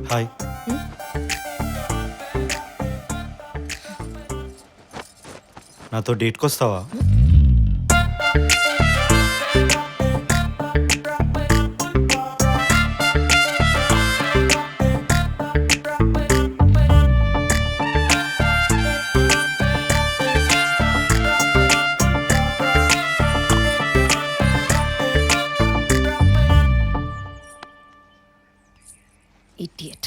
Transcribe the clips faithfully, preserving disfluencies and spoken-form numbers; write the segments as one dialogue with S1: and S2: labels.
S1: Hi. నాతో డేట్కి వస్తావా?
S2: Idiot.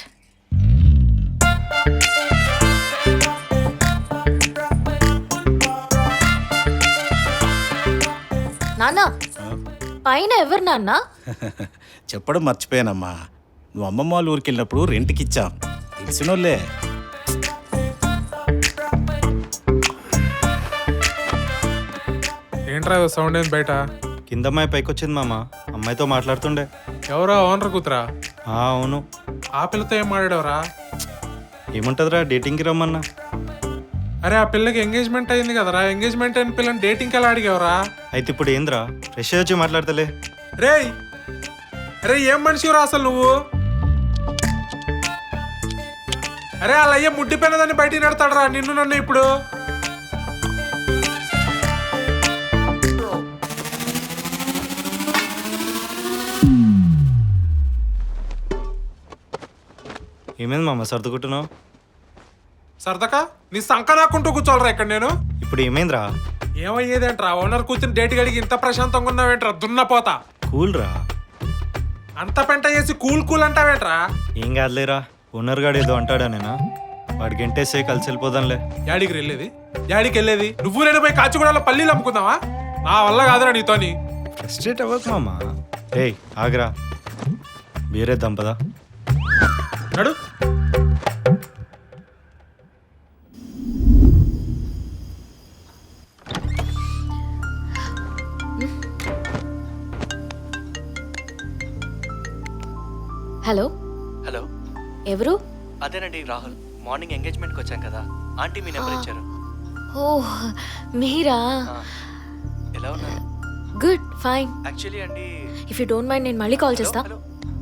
S2: నాన్న పైన ఎవరు నాన్న?
S3: చెప్పడం మర్చిపోయానమ్మా, నువ్వు అమ్మమ్మ వాళ్ళ ఊరికి వెళ్ళినప్పుడు రెంట్కి ఇచ్చాం, తెలిసినోళ్ళే.
S4: ఏంట్రా సౌండ్ ఏంది బయట?
S1: కింద అమ్మాయి పైకి వచ్చింది మామ, అమ్మాయితో మాట్లాడుతుండే.
S4: ఎవరో ఓనర్ కూతురా?
S1: ఆ, అవును.
S4: ఆ పిల్లతో ఏం మాట్లాడవరా?
S1: ఏముంటుందిరా, డేటింగ్కి రమ్మన్నా.
S4: అరే ఆ పిల్లకి ఎంగేజ్మెంట్ అయింది కదరా, ఎంగేజ్మెంట్ అయిన పిల్లని డేటింగ్కి ఎలా అడిగావరా?
S1: అయితే ఇప్పుడు ఏందిరా, ఫ్రెష్ వచ్చి మాట్లాడతలే.
S4: రేయ్ అరే ఏం మనిషిరా అసలు నువ్వు? అరే అలా అయ్యే ముడ్డిపోయినదాన్ని బయటికి నడతాడరా నిన్ను నన్ను ఇప్పుడు.
S1: ఏమైంది మామ సర్దుకుంటున్నావు?
S4: సరదాకా నీ సంక నాకుంటూ కూర్చోవాలరా ఇక్కడ నేను.
S1: ఇప్పుడు ఏమైందిరా?
S4: ఏమయ్యేదేంట్రా, ఓనర్ కూర్చుని డేట్ గడిగి ఇంత ప్రశాంతంగా ఉన్నావేంట్రా దున్నపోతా?
S1: కూల్ రా.
S4: అంత పెంట చేసి కూల్ కూల్ అంటావేంట్రా?
S1: ఏం కాదులేరా, ఓనర్ గాడు ఏదో అంటాడా నేనా, వాడికి ఎంటేసే కలిసి వెళ్ళిపోదాంలే.
S4: యాడికి వెళ్ళేది, యాడికి వెళ్ళేది? నువ్వు నేను పోయి కాచిగూడలో పల్లీలు అమ్ముకుందావా? నా వల్ల కాదురా నీతోని.
S1: ఫ్రస్ట్రేట్ అవ్వకు మామ. ఏయ్ ఆగరా, బీరేద్దాం పదా.
S4: నడు.
S2: హలో
S5: హలో,
S2: ఎవరు?
S5: అదేనండి రాహుల్. మార్నింగ్ ఎంగేజ్మెంట్కి వచ్చాం కదా, ఆంటీ మీ నెంబర్ ఇచ్చారు.
S2: ఓ మీరా?
S5: ఆ, ఎలా ఉన్నారు?
S2: Good fine.
S5: యాక్చువల్లీ అండి,
S2: ఇఫ్ యూ డోంట్ మైండ్ నేను మళ్ళీ కాల్ చేస్తా.
S5: హలో,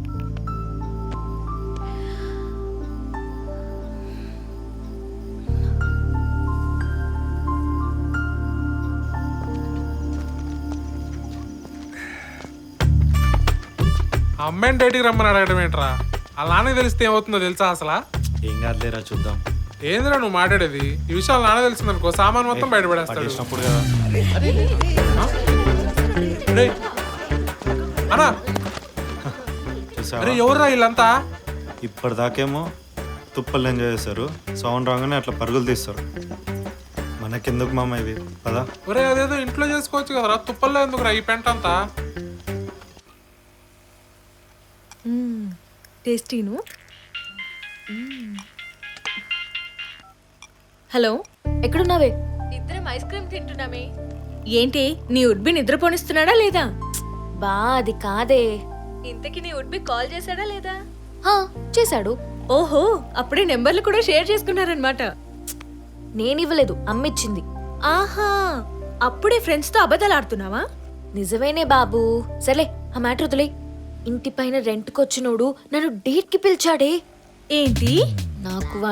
S4: ఆ అమ్మాయిని డేటికి రమ్మని అడగడం ఏంట్రా? వాళ్ళ నాన్నకి తెలిస్తే ఏమవుతుందో తెలుసా అసలు?
S1: ఏం కాదులేరా, చూద్దాం.
S4: ఏందిరా నువ్వు మాట్లాడేది? ఈ విషయాలు నాన్న తెలిసిందనుకో సామాన్ మొత్తం బయటపడేస్తాడు.
S1: పట్టేసినప్పుడు కదా.
S4: రేయ్, అన్నా
S1: చూసావా?
S4: అరే ఎవర్రా వీళ్ళంతా?
S1: ఇప్పటిదాకేమో తుప్పలు ఎంజాయ్ చేస్తారు, సౌండ్ రాగానే అట్లా పరుగులు తీస్తారు. మనకెందుకు మామ ఇవి, పదా.
S4: ఒరే అదేదో ఇంట్లో చేసుకోవచ్చు కదరా, తుప్పల్లో ఎందుకురా ఈ పెంట అంతా?
S6: టేస్టీను. హలో,
S2: ఎక్కడున్నావే?
S6: ఇద్దరం ఐస్ క్రీమ్ తింటున్నామే. ఏంటి నీ ఉడ్బి నిద్రపోనిస్తున్నాడా లేదా?
S2: బా అది కాదే.
S6: ఇంతకి నీ ఉడ్బి కాల్ చేశాడా లేదా?
S2: హా, చేశాడు.
S6: ఓహో, అప్పుడే నెంబర్లు కూడా షేర్ చేసుకున్నారనమాట.
S2: నేనివ్వలేదు, అమ్మిచ్చింది.
S6: ఆహా, అప్పుడే ఫ్రెండ్స్ తో అబద్ధాలు ఆడుతున్నావా?
S2: నిజమేనే బాబు. సరే ఆ మ్యాటర్ వదిలే. ఇంటి పైన రెంట్కొచ్చినోడు నన్ను డేట్ కి పిలిచాడే.
S6: ఏంటి?
S2: నాకు